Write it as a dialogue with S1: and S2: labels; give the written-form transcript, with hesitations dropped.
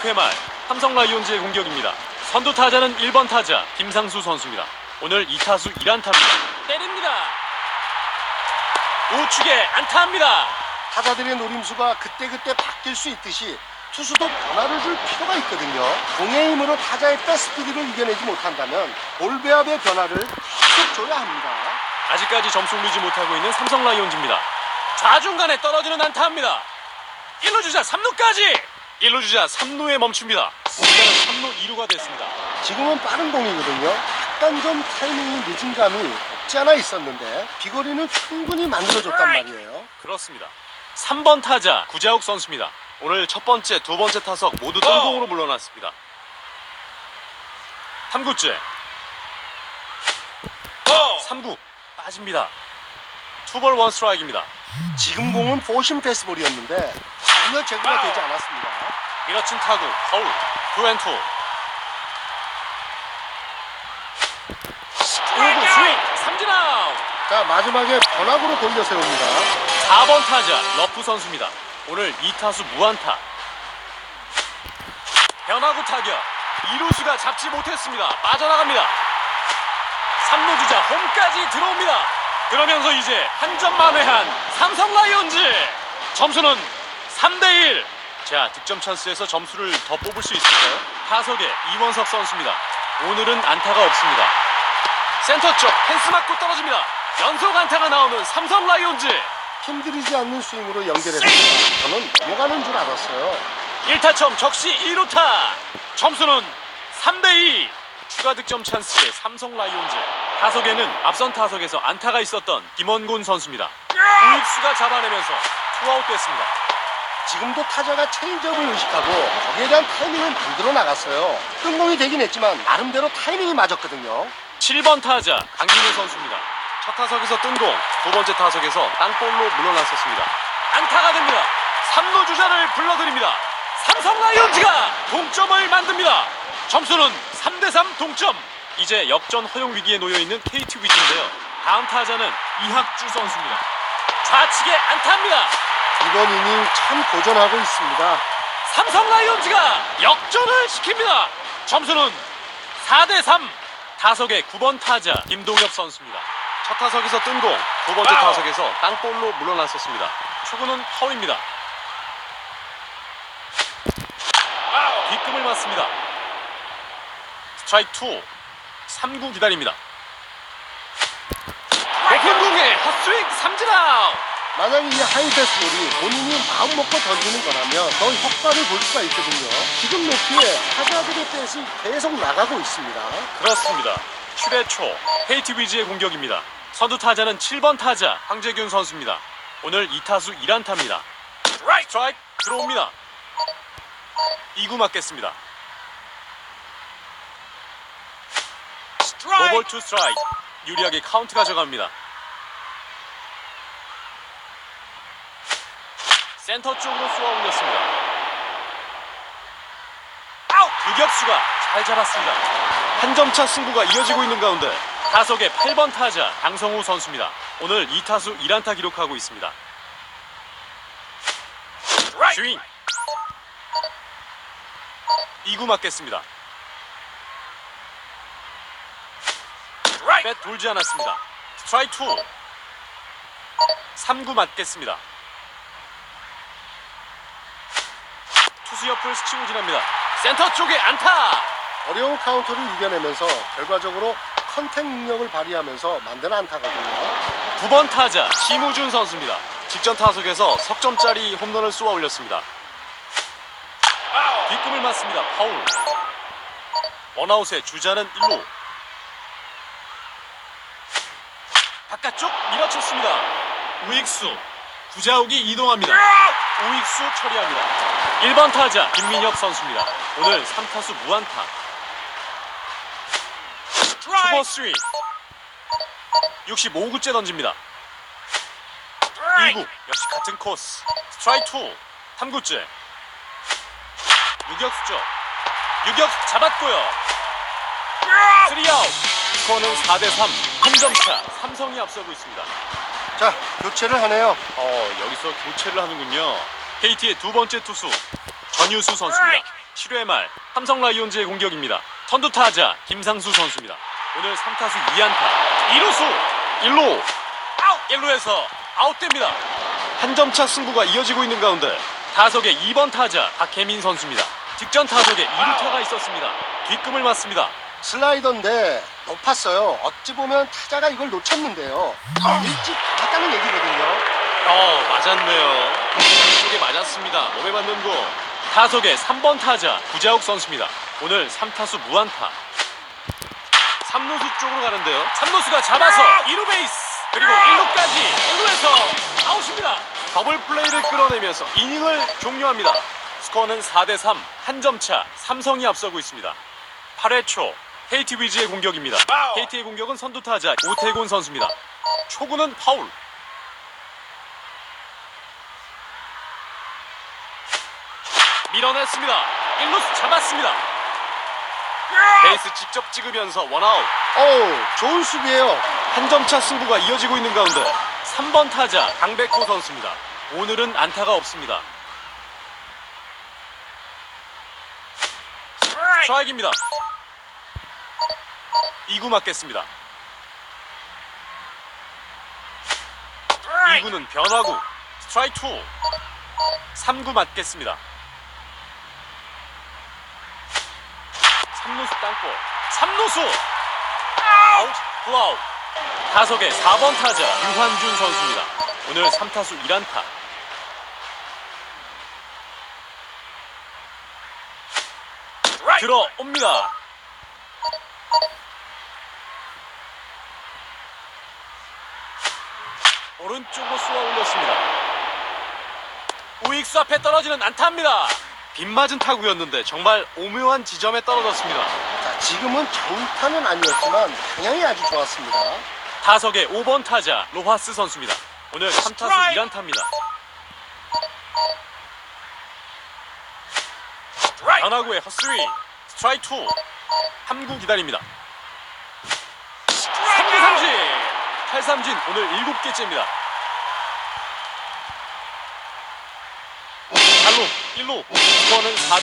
S1: 6회 말 삼성 라이온즈의 공격입니다. 선두 타자는 1번 타자 김상수 선수입니다. 오늘 2타수 1안타입니다. 때립니다. 우측에 안타합니다.
S2: 타자들의 노림수가 그때그때 바뀔 수 있듯이 투수도 변화를 줄 필요가 있거든요. 공의 힘으로 타자의 백스피드를 이겨내지 못한다면 볼 배합의 변화를 계속 줘야 합니다.
S1: 아직까지 점수 올리지 못하고 있는 삼성 라이온즈입니다. 좌중간에 떨어지는 안타합니다. 1루 주자 3루까지. 1루 주자 3루에 멈춥니다. 이제는 3루 2루가 됐습니다.
S2: 지금은 빠른 공이거든요. 약간 좀 타이밍이 늦은 감이 없지 않아 있었는데 비거리는 충분히 만들어줬단 말이에요.
S1: 그렇습니다. 3번 타자 구자욱 선수입니다. 오늘 첫 번째, 두 번째 타석 모두 뜬공으로 물러났습니다. 3구째 3구 빠집니다. 투볼 원 스트라이크입니다.
S2: 지금 공은 포심 패스볼이었는데 전혀 제구가 되지 않았습니다.
S1: 밀어친 타구 파울 2&2. 5구 스윙 삼진 아웃.
S2: 자, 마지막에 변화구로 돌려 세웁니다.
S1: 4번 타자 러프 선수입니다. 오늘 2타수 무안타. 변화구 타격 2루수가 잡지 못했습니다. 빠져나갑니다. 3루 주자 홈까지 들어옵니다. 그러면서 이제 한 점 만회한 삼성 라이온즈. 점수는 3대1. 자, 득점 찬스에서 점수를 더 뽑을 수 있을까요? 타석에 이원석 선수입니다. 오늘은 안타가 없습니다. 센터 쪽 펜스 맞고 떨어집니다. 연속 안타가 나오는 삼성 라이온즈.
S2: 힘들이지 않는 스윙으로 연결했습니다. 저는 넘어가는 줄 알았어요.
S1: 1타점 적시 2루타. 점수는 3대2. 추가 득점 찬스의 삼성 라이온즈. 타석에는 앞선 타석에서 안타가 있었던 김원곤 선수입니다. 우익수가 잡아내면서 투아웃 됐습니다.
S2: 지금도 타자가 체인지업을 의식하고 거기에 대한 타이밍을 만들어 나갔어요. 뜬공이 되긴 했지만 나름대로 타이밍이 맞았거든요.
S1: 7번 타자 강민호 선수입니다. 첫 타석에서 뜬공, 두 번째 타석에서 땅볼로 물러났었습니다. 안타가 됩니다. 3루 주자를 불러드립니다. 삼성 라이온즈가 동점을 만듭니다. 점수는 3대3 동점. 이제 역전 허용 위기에 놓여있는 KT 위즈인데요. 다음 타자는 이학주 선수입니다. 좌측에 안타입니다.
S2: 이번 이닝 참 고전하고 있습니다.
S1: 삼성 라이온즈가 역전을 시킵니다. 점수는 4대3. 타석의 9번 타자 김동엽 선수입니다. 첫 타석에서 뜬공, 두 번째 타석에서 땅볼로 물러났었습니다. 초구는 파울입니다. 뒷금을 맞습니다. 스트라이크 2. 3구 기다립니다. 높은 공에 헛스윙 삼진 아웃.
S2: 만약 이 하이패스볼이 본인이 마음 먹고 던지는 거라면 더 효과를 볼 수가 있거든요. 지금 높이에 타자들의 뱃이 계속 나가고 있습니다.
S1: 그렇습니다. 7회 초 KT 위즈의 공격입니다. 선두 타자는 7번 타자 황재균 선수입니다. 오늘 2타수 1안타입니다. 스트라이크 들어옵니다. 2구 맞겠습니다. 노볼 투 스트라이크. 유리하게 카운트 가져갑니다. 센터 쪽으로 쏘아 올렸습니다. 유격수가 잘 잡았습니다. 한 점차 승부가 이어지고 있는 가운데 타석의 8번 타자 강성우 선수입니다. 오늘 2타수 1안타 기록하고 있습니다. 스윙 2구 맞겠습니다. 뱃 돌지 않았습니다. 스트라이크 2. 3구 맞겠습니다. 투수 옆을 스치고 지납니다. 센터 쪽에 안타.
S2: 어려운 카운터를 이겨내면서 결과적으로 컨택 능력을 발휘하면서 만든 안타거든요.
S1: 9번 타자 심우준 선수입니다. 직전 타석에서 석점짜리 홈런을 쏘아 올렸습니다. 뒷꿈을 맞습니다. 파울. 원아웃의 주자는 1루. 바깥쪽 밀어쳤습니다. 우익수 구자욱이 이동합니다. 우익수 처리합니다. 1번 타자 김민혁 선수입니다. 오늘 3타수 무안타. 초보 스윙 65구째 던집니다. 2구 역시 같은 코스. 스트라이크 2. 3구째 유격수죠. 유격수 잡았고요. 3아웃. 스코어는 4대3. 한 점차 삼성이 앞서고 있습니다.
S2: 자, 교체를 하네요.
S1: 여기서 교체를 하는군요. KT의 두 번째 투수 전유수 선수입니다. 7회 말 삼성 라이온즈의 공격입니다. 선두 타자 김상수 선수입니다. 오늘 3타수 2안타 2루수 1루 아웃 1루에서 아웃됩니다. 한 점차 승부가 이어지고 있는 가운데 타석의 2번 타자 박혜민 선수입니다. 직전 타석에 2루타가 있었습니다. 뒷금을 맞습니다.
S2: 슬라이더인데 높았어요. 어찌 보면 타자가 이걸 놓쳤는데요. 일찍 잡았다는 얘기거든요.
S1: 맞았네요. 쪽에 맞았습니다. 몸에 맞는 거. 타석의 3번 타자 구자욱 선수입니다. 오늘 3타수 무안타. 3루수 쪽으로 가는데요. 3루수가 잡아서 2루 베이스 그리고 1루까지 1루에서 아웃입니다. 더블 플레이를 끌어내면서 이닝을 종료합니다. 스코어는 4대3 한 점 차 삼성이 앞서고 있습니다. 8회 초 KT 위즈의 공격입니다. KT의 공격은 선두 타자 오태곤 선수입니다. 초구는 파울. 밀어냈습니다. 1루수 잡았습니다. 베이스 직접 찍으면서 원아웃.
S2: 좋은 수비예요.
S1: 한 점 차 승부가 이어지고 있는 가운데 3번 타자 강백호 선수입니다. 오늘은 안타가 없습니다. 스트라이크입니다. 2구 맞겠습니다. 2구는 변화구. 스트라이크 2. 3구 맞겠습니다. 3루수 땅볼. 3루수 아웃 플라웃. 타석의 4번 타자 유환준 선수입니다. 오늘 3타수 1안타. 들어옵니다. 오른쪽으로 쏘아 올렸습니다. 우익수 앞에 떨어지는 안타입니다. 빗맞은 타구였는데 정말 오묘한 지점에 떨어졌습니다.
S2: 자, 지금은 정타는 아니었지만 방향이 아주 좋았습니다.
S1: 타석의 5번 타자 로하스 선수입니다. 오늘 3타수 1안타입니다. 변화구의 헛스윙. 스트라이크 2. 3구 기다립니다. 3구 삼진. 탈삼진 오늘 7개째입니다. 4루 1루. 스코어는